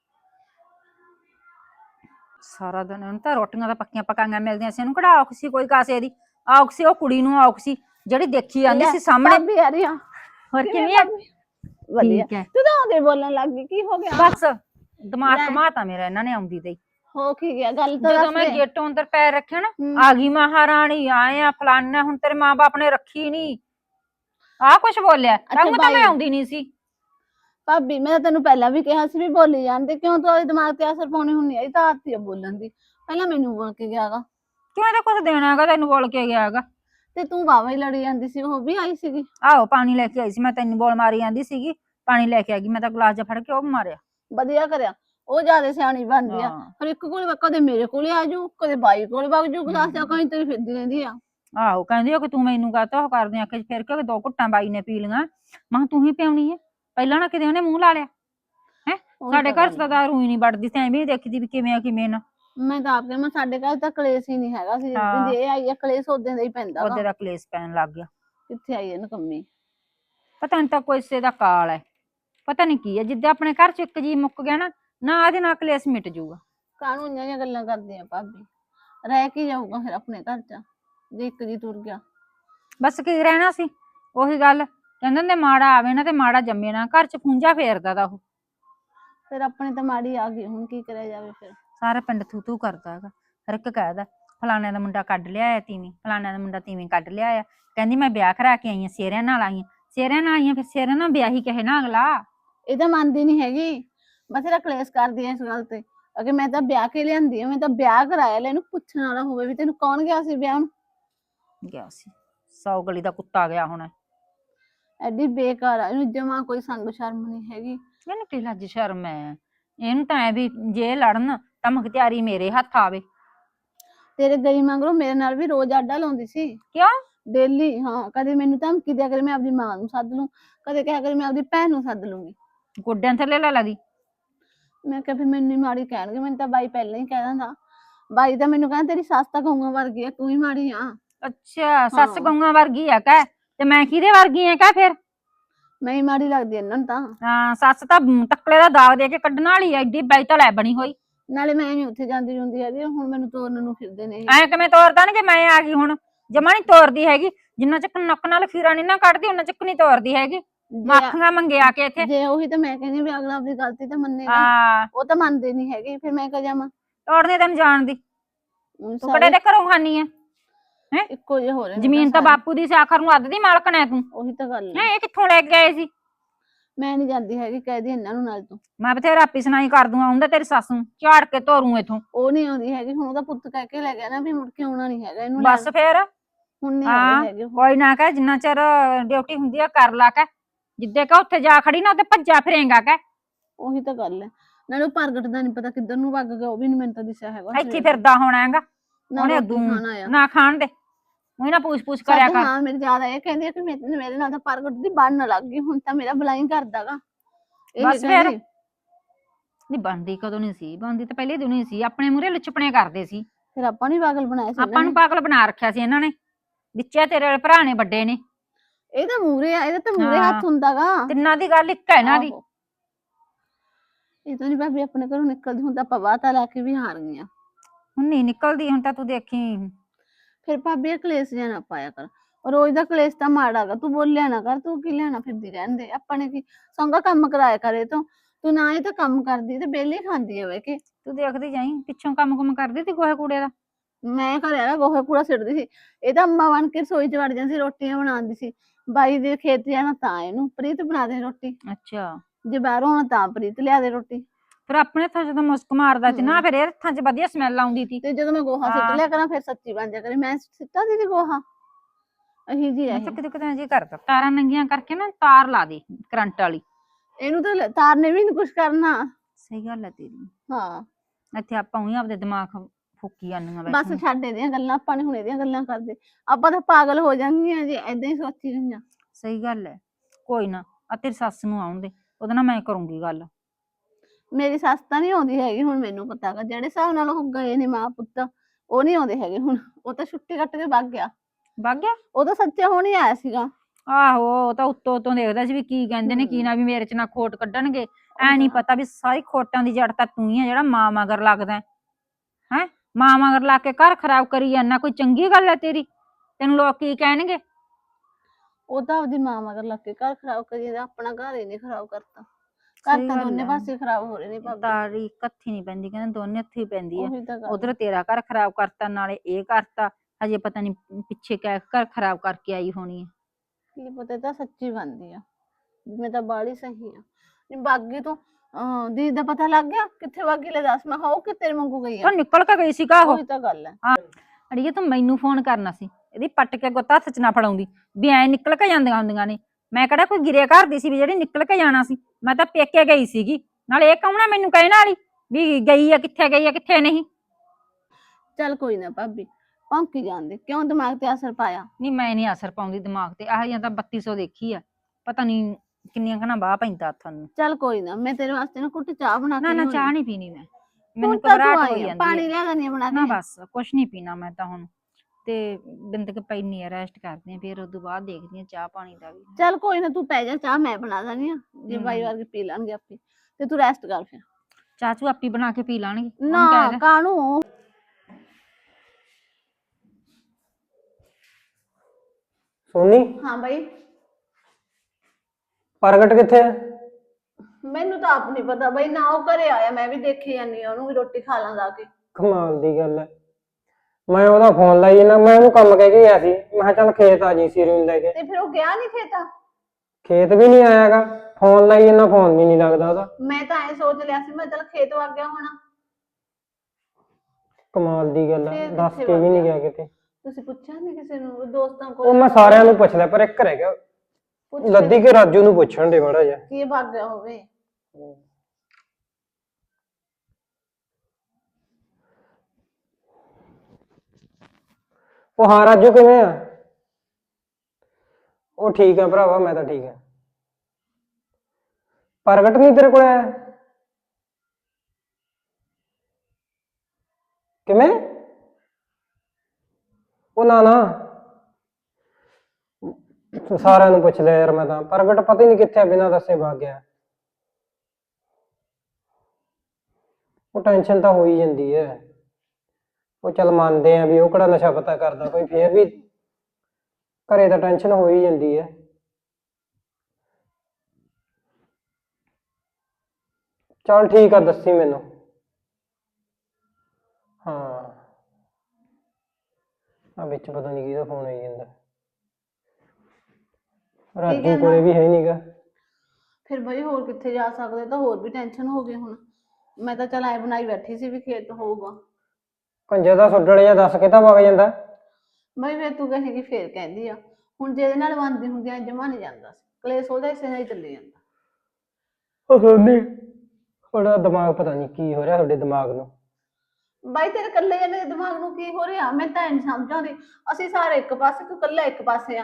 ਸਾਰਾ ਦਿਨ ਉਹਨੂੰ ਤਾਂ ਰੋਟੀਆਂ ਦਾ ਪੱਕੀਆਂ ਪਕਾਈਆਂ ਮਿਲਦੀਆਂ ਸੀ, ਇਹਨੂੰ ਕਿਹੜਾ ਔਖ ਸੀ ਕੋਈ ਕਾਸੇ ਦੀ? ਔਖ ਸੀ ਉਹ ਕੁੜੀ ਨੂੰ ਔਖ ਸੀ ਜਿਹੜੀ ਦੇਖੀ ਜਾਂਦੀ ਸੀ ਸਾਹਮਣੇ। ਭਾਬੀ ਆ ਰਹੀ ਆ। ਹੋਰ ਕਿਵੇਂ ਆ? ਵਧੀਆ। ਠੀਕ ਹੈ। ਤੂੰ ਤਾਂ ਆਉਂਦੇ ਬੋਲਣ ਲੱਗ ਗਈ, ਕੀ ਹੋ ਗਿਆ? ਬਸ ਦਿਮਾਗ ਘਮਾਤਾ ਮੇਰਾ ਇਹਨਾਂ ਨੇ ਆਉਂਦੀ ਤੇ। ਹੋ ਕੀ ਗਿਆ? ਗੱਲ ਤਾਂ ਜਦੋਂ ਮੈਂ ਗੇਟੋਂ ਅੰਦਰ ਪੈਰ ਰੱਖਿਆ ਨਾ, ਆ ਗਈ ਮਹਾਰਾਣੀ, ਆਏ ਆ ਫਲਾਨਾ, ਹੁਣ ਤੇਰੇ ਮਾਂ-ਬਾਪ ਨੇ ਰੱਖੀ ਨਹੀਂ, ਆਹ ਕੁਛ ਬੋਲਿਆ। ਤਾਂ ਮੈਂ ਆਉਂਦੀ ਨਹੀਂ ਸੀ। ਭਾਬੀ ਮੈਂ ਤੈਨੂੰ ਪਹਿਲਾਂ ਵੀ ਕਿਹਾ ਸੀ ਵੀ ਬੋਲੀ ਜਾਂਦੇ, ਕਿਉਂ ਤੂੰ ਆਪਣੇ ਦਿਮਾਗ ਤੇ ਅਸਰ ਪਾਉਣੀ ਹੁੰਦੀ ਆ? ਤਾਂ ਆਤੀ ਆ ਬੋਲਣ ਦੀ। ਪਹਿਲਾਂ ਮੈਨੂੰ ਬੋਲ ਕੇ ਗਿਆਗਾ। ਕਿਉਂ ਇਹਦਾ ਕੁਛ ਦੇਣਾ ਹੈਗਾ ਤੈਨੂੰ ਬੋਲ ਕੇ ਗਿਆ ਹੈਗਾ? ਤੇ ਤੂੰ ਵਾਵਾ ਹੀ ਲੜੀ ਜਾਂਦੀ ਸੀ, ਉਹ ਵੀ ਆਈ ਸੀਗੀ। ਆਹੋ ਪਾਣੀ ਲੈ ਕੇ ਆਈ ਸੀ ਮੈਂ, ਤੈਨੂੰ ਬੋਲ ਮਾਰੀ ਜਾਂਦੀ ਸੀਗੀ, ਪਾਣੀ ਲੈ ਕੇ ਆ ਗਈ ਮੈਂ ਤਾਂ ਗਲਾਸ ਜਿਹਾ ਫੜ ਕੇ ਉਹ ਮਾਰਿਆ। ਵਧੀਆ ਕਰਿਆ, ਉਹ ਜ਼ਿਆਦਾ ਸਿਆਣੀ ਬਣਦੀ ਆ। ਪਰ ਇੱਕ ਕੋਲ ਕਦੇ ਮੇਰੇ ਕੋਲੇ ਆ ਜੂ, ਕਦੇ ਬਾਈ ਕੋਲੇ ਵਗ ਜੂ, ਗਲਾਸ ਜਾ ਕਹੀਂ ਤੇਰੀ ਫਿਰਦੀ ਰਹਿੰਦੀ ਆ। ਆਹੋ ਕਹਿੰਦੀ ਆ ਕਿ ਤੂੰ ਮੈਨੂੰ ਕਾਹਤੋਂ ਉਹ ਕਰਦੇ ਆ ਕਿ ਫਿਰ ਕਿ 2 ਘੁੱਟਾਂ ਬਾਈ ਨੇ ਪੀ ਲੀਆਂ। ਮੈਂ ਤੂੰ ਹੀ ਪਿਆਉਣੀ ਹੈ, ਪਹਿਲਾਂ ਨਾ ਕਿਤੇ ਉਹਨੇ ਮੂੰਹ ਲਾ ਲਿਆ ਹੈ। ਸਾਡੇ ਘਰ ਚ ਤਾਂ ਦਾਰੂ ਹੀ ਨਹੀਂ ਵੜਦੀ, ਤੇ ਐਵੇਂ ਦੇਖਦੀ ਵੀ ਕਿਵੇਂ ਆ ਕਿਵੇਂ ਨਾ। ਮੈਂ ਤਾਂ ਆਪ ਕਹਿੰਦਾ ਸਾਡੇ ਘਰ ਤਾਂ ਕਲੇਸ਼ ਹੀ ਨਹੀਂ ਹੈਗਾ ਸੀ। ਜਿੱਦਾਂ ਇਹ ਆਈ ਆ ਕਲੇਸ਼ ਉਦੋਂ ਦਾ ਹੀ ਪੈਂਦਾ। ਉਹਦੇ ਦਾ ਕਲੇਸ਼ ਪੈਣ ਲੱਗ ਗਿਆ। ਕਿੱਥੇ ਆਈ ਹੈ ਨਕੰਮੀ? ਪਤਾ ਨਹੀਂ ਤਾਂ ਕੋਈ ਹਿੱਸੇ ਦਾ ਕਾਲ ਹੈ, ਪਤਾ ਨਹੀਂ ਕੀ ਹੈ। ਜਿੱਦਾਂ ਆਪਣੇ ਘਰ ਚ ਇੱਕ ਜੀ ਮੁੱਕ ਗਿਆ ਨਾ, ਨਾ ਉਹਦੇ ਨਾਲ ਕਲੇਸ਼ ਮਿਟ ਜਾਊਗਾ। ਕਾਹਨੂੰ ਇੰਨੀਆਂ ਜਿਹੀਆਂ ਗੱਲਾਂ ਕਰਦੇ ਆ ਭਾਬੀ? ਰਹਿ ਕੇ ਜਾਊਗਾ ਫਿਰ ਆਪਣੇ ਘਰ ਚ ਜੇ ਇੱਕ ਜੀ ਤੁਰ ਗਿਆ। ਬਸ ਕੀ ਰਹਿਣਾ ਸੀ? ਉਹੀ ਗੱਲ ਕਹਿੰਦੇ ਨੇ, ਮਾੜਾ ਆਵੇ ਨਾ ਤੇ ਮਾੜਾ ਜੰਮੇ ਨਾ। ਘਰ ਚ ਖੁੰਝਾ ਫੇਰਦਾ ਦਾ ਉਹ। ਫਿਰ ਆਪਣੇ ਤਾਂ ਮਾੜੀ ਆ ਗਈ, ਹੁਣ ਕੀ ਕਰਿਆ ਜਾਵੇ? ਫਿਰ ਸਾਰਾ ਪਿੰਡ ਥੂ ਥੂ ਕਰਦਾ ਹੈਗਾ। ਹਰ ਇੱਕ ਕਹਿਦਾ ਫਲਾਣੇ ਦਾ ਮੁੰਡਾ ਕੱਢ ਲਿਆਇਆ ਤੀਵੀਂ, ਫਲਾਣੇ ਦਾ ਮੁੰਡਾ ਤੀਵੀਂ ਕੱਢ ਲਿਆਇਆ। ਕਹਿੰਦੀ ਮੈਂ ਵਿਆਹ ਕਰਾ ਕੇ ਆਈ ਆ, ਸਿਹਰਿਆਂ ਨਾਲ ਆਈ ਆ। ਸਿਹਰਿਆਂ ਨਾਲ ਆਈ ਆ, ਫਿਰ ਸਿਹਰਿਆਂ ਨਾਲ ਵਿਆਹੀ ਕਹੇ ਨਾ ਅਗਲਾ। ਇਹ ਤਾਂ ਮੰਨਦੀ ਨਹੀਂ ਹੈਗੀ, ਬਥੇਰਾ ਕਲੇਸ਼ ਕਰਦੀ ਐ ਇਸ ਗੱਲ ਤੇ। ਅਗੇ ਮੈਂ ਤਾਂ ਵਿਆਹ ਕੇ ਲਿਆਂਦੀ ਆ, ਮੈਂ ਤਾਂ ਵਿਆਹ ਕਰਾਇਆ ਲੈ। ਇਹਨੂੰ ਪੁੱਛਣ ਵਾਲਾ ਹੋਵੇ ਵੀ ਤੈਨੂੰ ਕੌਣ ਗਿਆ ਸੀ ਵਿਆਹ ਨੂੰ? ਗਿਆ ਸੀ 100 ਗਲੀ ਦਾ ਕੁੱਤਾ ਗਿਆ ਹੋਣਾ। ਐਡੀ ਬੇਕਾਰ ਆ, ਇਹਨੂੰ ਜਮਾ ਕੋਈ ਸੰਗ ਸ਼ਰਮ ਨਹੀਂ ਹੈਗੀ। ਇਹਨੂੰ ਕੀ ਲੱਜ ਸ਼ਰਮ ਹੈ? ਇਹਨੂੰ ਤਾਂ ਐ ਵੀ ਜੇ ਲੜਨ ਤਾਂ ਮੁਖਤਿਆਰੀ ਮੇਰੇ ਹੱਥ ਆਵੇ। ਤੇਰੇ ਗਈ ਮਗਰੋਂ ਮੇਰੇ ਨਾਲ ਵੀ ਰੋਜ਼ ਆਡਾ ਲਾਉਂਦੀ ਸੀ। ਕਿਉਂ? ਡੇਲੀ। ਹਾਂ, ਕਦੇ ਮੈਨੂੰ ਧਮਕੀ ਦਿਆ ਕਰੇ ਮੈਂ ਆਪਦੀ ਮਾਂ ਨੂੰ ਸੱਦ ਲੂੰ, ਕਦੇ ਕਿਹਾ ਕਰੇ ਮੈਂ ਆਪਦੀ ਭੈਣ ਨੂੰ ਸੱਦ ਲੂੰਗੀ। ਗੋਡਿਆਂ ਥੱਲੇ ਲੈ ਲਦੀ। ਮੈਂ ਕਿਹਾ ਫਿਰ ਮੈਨੂੰ ਹੀ ਮਾੜੀ ਕਹਿਣਗੇ, ਮੈਨੂੰ ਤਾਂ ਬਾਈ ਪਹਿਲਾਂ ਹੀ ਕਹਿ ਦਿੰਦਾ। ਬਾਈ ਤਾਂ ਮੈਨੂੰ ਕਹਿੰਦਾ ਤੇਰੀ ਸੱਸ ਤਾਂ ਗਊਆਂ ਵਰਗੀ ਆ, ਤੂੰ ਹੀ ਮਾੜੀ ਆ। ਅੱਛਾ, ਸੱਸ ਗਊਆਂ ਵਰਗੀ ਆ ਕਹਿ, ਤੇ ਮੈਂ ਕਿਹਦੇ ਵਰਗੀ ਆ ਕਹਿ? ਫਿਰ ਮੈਂ ਹੀ ਮਾੜੀ ਲੱਗਦੀ ਇਹਨਾਂ ਨੂੰ ਤਾਂ। ਹਾਂ, ਸੱਸ ਤਾਂ ਤੱਕਲੇ ਦਾ ਦਾਗ ਦੇ ਕੇ ਕੱਢਣ ਵਾਲੀ ਆ, ਐਡੀ ਬੈਤਲ ਐ ਬਣੀ ਹੋਈ। ਨਾਲੇ ਮੈਂ ਨੀ ਉੱਥੇ ਜਾਂਦੀ ਜੁੰਦੀ ਹੈਗੀ, ਹੁਣ ਮੈਨੂੰ ਤੋਰਨ ਨੂੰ ਫਿਰਦੇ ਨੇ। ਐ ਕਿਵੇਂ ਤੋਰਦਾ ਨੀ? ਜੇ ਮੈਂ ਆ ਗਈ ਹੁਣ ਜਮਾ ਨੀ ਤੋਰਦੀ ਹੈਗੀ। ਜਿੰਨਾ ਚੱਕ ਨੱਕ ਨਾਲ ਖੀਰਾ ਨੀ ਨਾ ਕੱਢਦੀ, ਉਹਨਾਂ ਚੱਕ ਨੀ ਤੋਰਦੀ ਹੈਗੀ। ਮਾਖੀਆਂ ਮੰਗੇ ਆ ਕੇ ਇੱਥੇ। ਜੇ ਉਹੀ ਤਾਂ ਮੈਂ ਕਹਿੰਦੀ ਵੀ ਅਗਲਾ ਆਪਣੀ ਗਲਤੀ ਤਾਂ ਮੰਨੇਗਾ। ਹਾਂ, ਉਹ ਤਾਂ ਮੰਨਦੇ ਨੀ ਹੈਗੇ, ਫਿਰ ਮੈਂ ਕਹ ਜਾਵਾਂ? ਤੋੜਨੇ ਤੈਨੂੰ ਜਾਣਦੀ, ਤੂੰ ਕਿਹੜੇ ਦੇ ਘਰੋਂ ਖਾਨੀ ਆ? ਇੱਕੋ ਜਿਹੇ ਹੋ ਰਹੇ ਨੇ ਜ਼ਮੀਨ ਤਾਂ ਬਾਪੂ ਦੀ ਸੀ, ਆਖਰ ਨੂੰ ਅੱਧ ਦੀ ਮਾਲਕਣ ਐ ਤੂੰ। ਉਹੀ ਤਾਂ ਗੱਲ ਹੈ। ਇਹ ਕਿੱਥੋਂ ਲੈ ਕੇ ਆਏ ਸੀ? ਮੈਂ ਨੀ ਜਾਂਦੀ ਹੈਗੀ, ਕਹਿ ਦੀ ਇਹਨਾਂ ਨੂੰ ਨਾਲ ਤੂੰ। ਮੈਂ ਬਥੇਰਾ ਆਪੀ ਸੁਣਾਈ ਕਰ ਦੂੰਗਾ, ਹੁੰਦਾ ਤੇਰੀ ਸੱਸ ਨੂੰ ਝਾੜ ਕੇ ਤੋਰੂ ਇਥੋਂ। ਉਹ ਨੀ ਆਉਂਦੀ ਹੈਗੀ, ਹੁਣ ਉਹਦਾ ਪੁੱਤ ਕਹਿ ਕੇ ਲੈ ਗਿਆ ਨਾ ਵੀ ਮੁੜ ਕੇ ਆਉਣਾ ਨੀ ਹੈਗਾ ਇਹਨੂੰ। ਬਸ ਫੇਰ ਹੁਣ ਨੀ ਆਉਂਦੇ ਹੈਗੇ। ਕੋਈ ਨਾ ਕਹਿ, ਜਿੰਨਾ ਚਿਰ ਡਿਊਟੀ ਹੁੰਦੀ ਆ ਕਰ ਲਾ ਕਹਿ। ਜਿੱਦੇ ਕਾ ਉੱਥੇ ਜਾ ਖੜੀ ਨਾ ਉੱਥੇ ਭੱਜਾ ਫਿਰੇਗਾ ਕਹਿ। ਉਹੀ ਤਾਂ ਗੱਲ ਹੈ, ਨਾਲੇ ਉਹ ਪ੍ਰਗਟ ਦਾ ਨਹੀਂ ਪਤਾ ਕਿੱਧਰ ਨੂੰ ਵਗ ਗਿਆ, ਉਹ ਵੀ ਨਹੀਂ ਮੈਨੂੰ ਤਾਂ ਦਿਸਿਆ ਹੈਗਾ ਇੱਥੇ ਫਿਰਦਾ ਹੋਣਾ ਹੈਗਾ ਨਾ ਉਹਨੇ ਰੋਟੀ ਖਾਣ ਆਇਆ। ਨਾ ਖਾਣ ਦੇ ਉਹੀ ਨਾ ਪੁੱਛ ਕਰਿਆ ਕਰ। ਹਾਂ ਮੇਰੀ ਯਾਦ ਆਇਆ, ਕਹਿੰਦੀ ਆ ਕਿ ਮੇਰੇ ਨਾਲ ਤਾਂ ਪ੍ਰਗਟ ਦੀ ਬਣਨ ਲੱਗ ਗਈ, ਹੁਣ ਤਾਂ ਮੇਰਾ ਬਲਾਈ ਕਰਦਾਗਾ। ਬਸ ਫਿਰ ਨਹੀਂ ਬਣਦੀ ਕਦੋਂ ਨਹੀਂ ਸੀ, ਬਣਦੀ ਤਾਂ ਪਹਿਲੇ ਦਿਨ ਹੀ ਸੀ। ਆਪਣੇ ਮੂਹਰੇ ਲੁਚਪਣੇ ਕਰਦੇ ਸੀ, ਫਿਰ ਆਪਾਂ ਨੂੰ ਪਾਗਲ ਬਣਾਇਆ ਸੀ ਆਪਾਂ ਨੂੰ ਪਾਗਲ ਬਣਾ ਰੱਖਿਆ ਸੀ ਇਹਨਾਂ ਨੇ। ਵਿੱਚੇ ਤੇਰੇ ਭਰਾ ਨੇ ਵੱਡੇ ਨੇ, ਇਹ ਤਾਂ ਮੂਰੇ ਆ, ਇਹਦਾ ਤਾਂ ਮੂਰੇ ਹੱਥ ਹੁੰਦਾਗਾ। ਤਿੰਨਾਂ ਦੀ ਗੱਲ ਇੱਕ ਹੈ ਇਹਨਾਂ ਦੀ। ਇਹ ਤਾਂ ਨਹੀਂ ਭਾਬੀ ਆਪਣੇ ਘਰੋਂ ਨਿਕਲਦੀ, ਹੁਣ ਤਾਂ ਆਪਾਂ ਵਾਹ ਤਾਂ ਲਾ ਕੇ ਵੀ ਹਾਰ ਗਈਆਂ। ਹੁਣ ਨਹੀਂ ਨਿਕਲਦੀ, ਹੁਣ ਤਾਂ ਤੂੰ ਦੇਖੀ। ਫਿਰ ਭਾਬੀ ਇਹ ਕਲੇਸ਼ ਜਿਹਾ ਨਾ ਪਾਇਆ ਕਰ, ਰੋਜ਼ ਦਾ ਕਲੇਸ਼ ਤਾਂ ਮਾੜਾ ਗਾ, ਤੂੰ ਬੋਲਿਆ ਨਾ ਕਰ, ਤੂੰ ਕੀ ਲੈਣਾ ਫਿਰਦੀ ਰਹਿੰਦੇ। ਆਪਾਂ ਨੇ ਕੀ ਸੰਗਾ ਕੰਮ ਕਰਾਇਆ ਕਰੇ ਤੂੰ ਨਾ ਹੀ ਤਾਂ ਕੰਮ ਕਰਦੀ ਤੇ ਵਿਹਲੀ ਖਾਂਦੀ ਆ ਵੇ ਕੇ। ਤੂੰ ਦੇਖਦੀ ਜਾਈ, ਪਿੱਛੋਂ ਕੰਮ ਕਰਦੀ ਤੀ ਗੋਹੇ ਕੂੜੇ ਦਾ। ਮੈਂ ਘਰੇ ਗੋਹਾ ਕੂੜਾ ਸਿੱਟਦੀ ਸੀ, ਇਹ ਤਾਂ ਅੰਮਾ ਬਣ ਕੇ ਰਸੋਈ ਚ ਵੜ ਜਾਂਦੀ ਸੀ, ਰੋਟੀਆਂ ਬਣਾਉਂਦੀ ਸੀ। ਬਾਈ ਦੇ ਖੇਤ ਜਾਣਾ ਤਾਂ ਇਹਨੂੰ ਪ੍ਰੀਤ ਬਣਾ ਦੇ ਰੋਟੀ, ਅੱਛਾ ਜੇ ਬਾਹਰੋਂ ਆਉਣਾ ਤਾਂ ਪ੍ਰੀਤ ਲਿਆ ਦੇ ਰੋਟੀ। ਫਿਰ ਆਪਣੇ ਹੱਥਾਂ ਜਦੋਂ ਮੁਸਕ ਮਾਰਦਾ ਸੀ ਨਾ, ਫਿਰ ਇਹ ਹੱਥਾਂ 'ਚ ਵਧੀਆ ਸਮੈਲ ਆਉਂਦੀ ਸੀ। ਤੇ ਜਦੋਂ ਮੈਂ ਗੋਹਾ ਸਿੱਟ ਲਿਆ ਕਰਾਂ ਫਿਰ ਸੱਚੀ ਬਣ ਜਾ ਕਰੇ, ਮੈਂ ਸਿੱਟਾ ਦੀ ਗੋਹਾ ਅਹੀ ਜੀ ਆ। ਕਿਤੇ ਕਿਤੇ ਜੀ ਕਰਦਾ, ਤਾਰਾਂ ਨੰਗੀਆਂ ਕਰਕੇ ਨਾ ਤਾਰ ਲਾ ਦੇ ਕਰੰਟ ਵਾਲੀ। ਇਹਨੂੰ ਤਾਂ ਤਾਰ ਨੇ ਵੀ ਨੀ ਕੁਛ ਕਰਨਾ। ਸਹੀ ਗੱਲ ਹੈ ਤੇਰੀ। ਹਾਂ ਇੱਥੇ ਆਪਾਂ ਉਹੀ ਆਪਦੇ ਦਿਮਾਗ ਫੂਕੀ ਜਾਂਦੀਆਂ ਬਸ ਛੱਡ ਇਹਦੀਆਂ ਗੱਲਾਂ, ਆਪਾਂ ਨੇ ਹੁਣ ਇਹਦੀਆਂ ਗੱਲਾਂ ਕਰਦੇ, ਆਪਾਂ ਤਾਂ ਪਾਗਲ ਹੋ ਜਾਂਗੀਆਂ ਜੇ ਏਦਾਂ ਹੀ ਸੋਚੀ ਰਹੀਆਂ। ਸਹੀ ਗੱਲ ਹੈ, ਕੋਈ ਨਾ ਆ ਤੇਰੀ ਸੱਸ ਨੂੰ ਆਉਣ ਦੇ, ਉਹਦੇ ਨਾਲ ਮੈਂ ਕਰੂੰਗੀ ਗੱਲ। ਮੇਰੀ ਸੱਸ ਤਾਂ ਨਹੀਂ ਆਉਂਦੀ ਹੈਗੀ, ਹੁਣ ਮੈਨੂੰ ਪਤਾ ਗਾ ਜਿਹੜੇ ਹਿਸਾਬ ਨਾਲ ਉਹ ਗਏ ਨੇ ਮਾਂ ਪੁੱਤ, ਉਹ ਨਹੀਂ ਆਉਂਦੇ ਹੈਗੇ ਹੁਣ। ਉਹ ਤਾਂ ਛੁੱਟੀ ਕੱਟ ਕੇ ਵਗ ਗਿਆ। ਉਹ ਤਾਂ ਸੱਚੇ ਹੁਣ ਹੀ ਆਇਆ ਸੀਗਾ। ਆਹੋ ਉਹ ਤਾਂ ਉੱਤੋਂ ਦੇਖਦਾ ਸੀ ਵੀ ਕੀ ਕਹਿੰਦੇ ਨੇ ਕੀ ਨਾ, ਵੀ ਮੇਰੇ 'ਚ ਨਾ ਖੋਟ ਕੱਢਣਗੇ। ਐ ਨੀ ਪਤਾ ਵੀ ਸਾਰੀ ਖੋਟਾਂ ਦੀ ਜੜ ਤਾਂ ਤੂੰ ਹੀ ਆ, ਜਿਹੜਾ ਮਾਂ ਮਗਰ ਲੱਗਦਾ ਹੈ। ਮਾਂ ਮਗਰ ਲੱਗ ਕੇ ਘਰ ਖਰਾਬ ਕਰੀ ਜਾਂਦਾ, ਕੋਈ ਚੰਗੀ ਗੱਲ ਹੈ ਤੇਰੀ? ਤੈਨੂੰ ਲੋਕ ਕੀ ਕਹਿਣਗੇ? ਉਹ ਤਾਂ ਆਪਦੀ ਮਾਂ ਮਗਰ ਲੱਗ ਕੇ ਘਰ ਖਰਾਬ ਕਰੀ ਜਾਂਦਾ, ਆਪਣਾ ਘਰ ਹੀ ਨਹੀਂ ਖਰਾਬ ਕਰਤਾ। ਘਰ ਤਾਂ ਦੋਨੇ ਪਾਸੇ ਖਰਾਬ ਹੋ ਰਹੇ ਨੇ ਭਾਬੀ। ਤਾਰੀ ਕੱਥੀ ਨੀ ਪੈਂਦੀ, ਕਹਿੰਦੇ ਦੋਨੇ ਹੱਥੀ ਪੈਂਦੀ ਹੈ। ਉਹੀ ਤਾਂ ਗੱਲ ਉਧਰ ਤੇਰਾ ਘਰ ਖਰਾਬ ਕਰਤਾ, ਨਾਲੇ ਇਹ ਕਰਤਾ। ਹਜੇ ਪਤਾ ਨੀ ਪਿੱਛੇ ਕਿਆ ਘਰ ਖਰਾਬ ਕਰਕੇ ਆਈ ਹੋਣੀ ਹੈ। ਕੀ ਪਤਾ ਤਾਂ ਸੱਚੀ ਬਣਦੀ ਆ, ਮੈਂ ਤਾਂ ਬਾਹਲੀ ਸਹੀ ਆ। ਨਹੀਂ ਬਾਗੀ ਤੋਂ ਦੀਦੀ ਦਾ ਪਤਾ ਲੱਗ ਗਿਆ ਕਿੱਥੇ ਬਾਗੀ? ਲੈ ਦੱਸ। ਮੈਂ ਉਹ ਕਿ ਤੇਰੇ ਵਾਂਗੂ ਗਈ ਆ? ਉਹ ਨਿਕਲ ਕੇ ਗਈ ਸੀਗਾ ਉਹ। ਉਹੀ ਤਾਂ ਗੱਲ ਹੈ। ਅੜੀਏ ਤੂੰ ਮੈਨੂੰ ਫੋਨ ਕਰਨਾ ਸੀ, ਇਹਦੀ ਪੱਟ ਕੇ ਗੁੱਤ ਹੱਥ 'ਚ ਨਾ ਫੜਾਉਂਦੀ ਵੀ ਐ ਨਿਕਲ ਕੇ ਜਾਂਦੀਆਂ ਹੁੰਦੀਆਂ ਨੇ। ਮੈਂ ਕਿਹੜਾ ਕੋਈ ਗਿਰੇ ਘਰ ਦੀ ਸੀ ਵੀ ਜਿਹੜੀ ਨਿਕਲ ਕੇ ਜਾਣਾ ਸੀ? ਮੈਂ ਤਾਂ ਪੇਕੇ ਗਈ ਸੀਗੀ। ਨਾਲੇ ਇਹ ਕੌਣ ਆ ਮੈਨੂੰ ਕਹਿਣ ਵਾਲੀ ਵੀ ਗਈ ਆ ਕਿੱਥੇ ਨਹੀਂ? ਚੱਲ ਕੋਈ ਨਾ ਭਾਬੀ, ਭੌਂਕੀ ਜਾਂਦੇ, ਕਿਉਂ ਦਿਮਾਗ ਤੇ ਅਸਰ ਪਾਇਆ? ਨਹੀਂ ਮੈਂ ਨਹੀਂ ਅਸਰ ਪਾਉਂਦੀ ਦਿਮਾਗ ਤੇ। ਆਹ ਜਾਂ ਤਾਂ 3200 ਦੇਖੀ ਆ, ਪਤਾ ਨਹੀਂ ਕਿੰਨੀਆਂ ਕਹਣਾ ਬਾਹ ਪੈਂਦਾ ਤੁਹਾਨੂੰ। ਚੱਲ ਕੋਈ ਨਾ, ਮੈਂ ਤੇਰੇ ਵਾਸਤੇ ਨਾ ਕੁੱਟ ਚਾਹ ਬਣਾ ਕੇ ਨਾ ਚਾਹ ਨਹੀਂ ਪੀਣੀ ਮੈਂ, ਮੈਨੂੰ ਹੁਣ ਤਾਂ ਤੂੰ ਘਬਰਾਹਟ ਆਈ ਹੋਈ ਆ, ਜਾਂਦੀ ਪਾਣੀ ਹੈ। ਲਿਆ ਦਨੀ ਬਣਾ ਨਾ ਕੇ। ਬਸ ਕੁਛ ਨਹੀਂ ਪੀਣਾ ਮੈਂ ਤਾਂ ਹੁਣ, ਤੇ ਬਿੰਦਕ ਪੈਣੀ ਆ, ਰੈਸਟ ਕਰਦੀ ਆ, ਫਿਰ ਉਦੋਂ ਬਾਅਦ ਦੇਖਦੀ ਆ ਚਾਹ ਪਾਣੀ ਦਾ ਵੀ। ਚੱਲ ਕੋਈ ਨਾ, ਤੂੰ ਪੈ ਜਾ, ਚਾਹ ਮੈਂ ਬਣਾ ਦਨੀ ਆ, ਜੇ ਬਾਈ ਵਰਗੇ ਪੀ ਲੈਣਗੇ ਆਪੇ, ਤੇ ਤੂੰ ਰੈਸਟ ਕਰ ਫਿਰ। ਚਾਚੂ ਆਪੀ ਬਣਾ ਕੇ ਪੀ ਲਾਣਗੇ। ਨਾ ਕਾਹਨੂੰ? ਸੋਨੀ ਹਾਂ ਬਾਈ, ਪ੍ਰਗਟ ਕਿੱਥੇ ਹੈ? ਮੈਨੂੰ ਤਾਂ ਆਪ ਨਹੀਂ ਪਤਾ ਬਾਈ, ਨਾ ਉਹ ਘਰੇ ਆਇਆ, ਮੈਂ ਵੀ ਦੇਖੀ ਜਾਂਦੀ ਆ, ਉਹਨੂੰ ਵੀ ਰੋਟੀ ਖਾ ਲਾਂ ਜਾ ਕੇ। ਕਮਾਲ ਦੀ ਗੱਲ ਹੈ, ਮੈਂ ਉਹਦਾ ਫੋਨ ਲਾਈ ਨਾ, ਮੈਂ ਉਹਨੂੰ ਕੰਮ ਕਹਿ ਕੇ ਗਿਆ ਸੀ, ਮੈਂ ਕਿਹਾ ਚੱਲ ਖੇਤ ਆ ਜੀ ਸੀਰੀ ਨੂੰ ਲੈ ਕੇ। ਤੇ ਫਿਰ ਉਹ ਗਿਆ ਨਹੀਂ ਖੇਤ? ਖੇਤ ਵੀ ਨਹੀਂ ਆਇਆਗਾ, ਫੋਨ ਲਾਈ ਨਾ, ਫੋਨ ਵੀ ਨਹੀਂ ਲੱਗਦਾ ਉਹਦਾ। ਮੈਂ ਤਾਂ ਐ ਸੋਚ ਲਿਆ ਸੀ, ਮੈਂ ਚੱਲ ਖੇਤ ਵਗ ਗਿਆ ਹੋਣਾ। ਕਮਾਲ ਦੀ ਗੱਲ ਹੈ, ਫਿਰ ਦੱਸ ਕਿੱਥੇ ਕੇ ਵੀ ਨਹੀਂ ਵਗ ਗਿਆ ਕਿਤੇ। ਤੁਸੀਂ ਪੁੱਛਿਆ ਨਹੀਂ ਕਿਸੇ ਨੂੰ, ਦੋਸਤਾਂ ਉਹ ਕੋਲ? ਮੈਂ ਸਾਰਿਆਂ ਨੂੰ ਪੁੱਛ ਲਿਆ, ਪਰ ਇੱਕ ਰਹਿ ਗਿਆ, ਲੱਦੀ ਕੇ ਰਾਜੂ ਨੂੰ ਪੁੱਛਣ ਦੇ ਮਾੜਾ ਜਿਹਾ। ਕੀ ਵਗ ਗਿਆ ਹੋਵੇ। ਉਹ ਹਾਂ ਰਾਜੂ ਕਿਵੇਂ ਆ? ਉਹ ਠੀਕ ਆ ਭਰਾਵਾ, ਮੈਂ ਤਾਂ ਠੀਕ ਆ। ਪ੍ਰਗਟ ਨਹੀਂ ਤੇਰੇ ਕੋਲ ਆਇਆ? ਕਿਵੇਂ? ਉਹ ਨਾ ਸਾਰਿਆਂ ਨੂੰ ਪੁੱਛ ਲਿਆ ਯਾਰ, ਮੈਂ ਤਾਂ ਪ੍ਰਗਟ ਪਤਾ ਹੀ ਨਹੀਂ ਕਿੱਥੇ ਬਿਨਾਂ ਦੱਸੇ ਭੱਗ ਗਿਆ। ਉਹ ਟੈਨਸ਼ਨ ਤਾਂ ਹੋ ਹੀ ਜਾਂਦੀ ਹੈ। ਉਹ ਚੱਲ ਮੰਨਦੇ ਆ ਵੀ ਉਹ ਕਿਹੜਾ ਨਸ਼ਾ ਪਤਾ ਕਰਦਾ ਕੋਈ, ਫੇਰ ਵੀ ਘਰੇ ਤਾਂ ਟੈਨਸ਼ਨ ਹੋ ਹੀ ਜਾਂਦੀ ਹੈ। ਚੱਲ ਠੀਕ ਆ, ਦੱਸੀ ਮੈਨੂੰ। ਹਾਂ ਆ ਵਿੱਚ ਪਤਾ ਨਹੀਂ ਕਿਹਦਾ ਫੋਨ ਆਈ ਜਾਂਦਾ, ਰਾਜੂ ਕੋਲੇ ਵੀ ਹੈ ਨਹੀਂਗਾ। ਫਿਰ ਬਈ ਹੋਰ ਕਿੱਥੇ ਜਾ ਸਕਦੇ, ਤਾਂ ਹੋਰ ਵੀ ਟੈਨਸ਼ਨ ਹੋ ਗਈ ਹੁਣ। ਮੈਂ ਤਾਂ ਚੱਲ ਐ ਬਣਾਈ ਬੈਠੀ ਸੀ ਵੀ ਖੇਤ ਹੋਊਗਾ। ਕੰਜੇ ਦਾ ਸੁੱਡਣ ਜਾਂ ਦੱਸ ਕੇ ਤਾਂ ਵਗ ਜਾਂਦਾ। ਬਈ ਫਿਰ ਤੂੰ ਕਹੇਗੀ ਫੇਰ ਕਹਿੰਦੀ ਆ, ਹੁਣ ਜਿਹਦੇ ਨਾਲ ਬਣਦੀ ਹੁੰਦੀ ਆ ਜਮਾ ਨਹੀਂ ਜਾਂਦਾ ਸੀ, ਕਲੇਸ਼ ਉਹਦਾ ਇਸੇ ਨਾਲ ਹੀ ਚੱਲੀ ਜਾਂਦਾ। ਉਹ ਸੋਨੀ ਥੋੜਾ ਦਿਮਾਗ ਪਤਾ ਨਹੀਂ ਕੀ ਹੋ ਰਿਹਾ ਤੁਹਾਡੇ ਦਿਮਾਗ ਨੂੰ। ਬਾਈ ਤੇਰੇ ਇਕੱਲੇ ਜਣੇ ਦੇ ਦਿਮਾਗ ਨੂੰ ਕੀ ਹੋ ਰਿਹਾ, ਮੈਂ ਤਾਂ ਨਹੀਂ ਸਮਝਾਉਂਦੀ। ਅਸੀਂ ਸਾਰੇ ਇੱਕ ਪਾਸੇ, ਤੂੰ ਇਕੱਲਾ ਇੱਕ ਪਾਸੇ ਆ।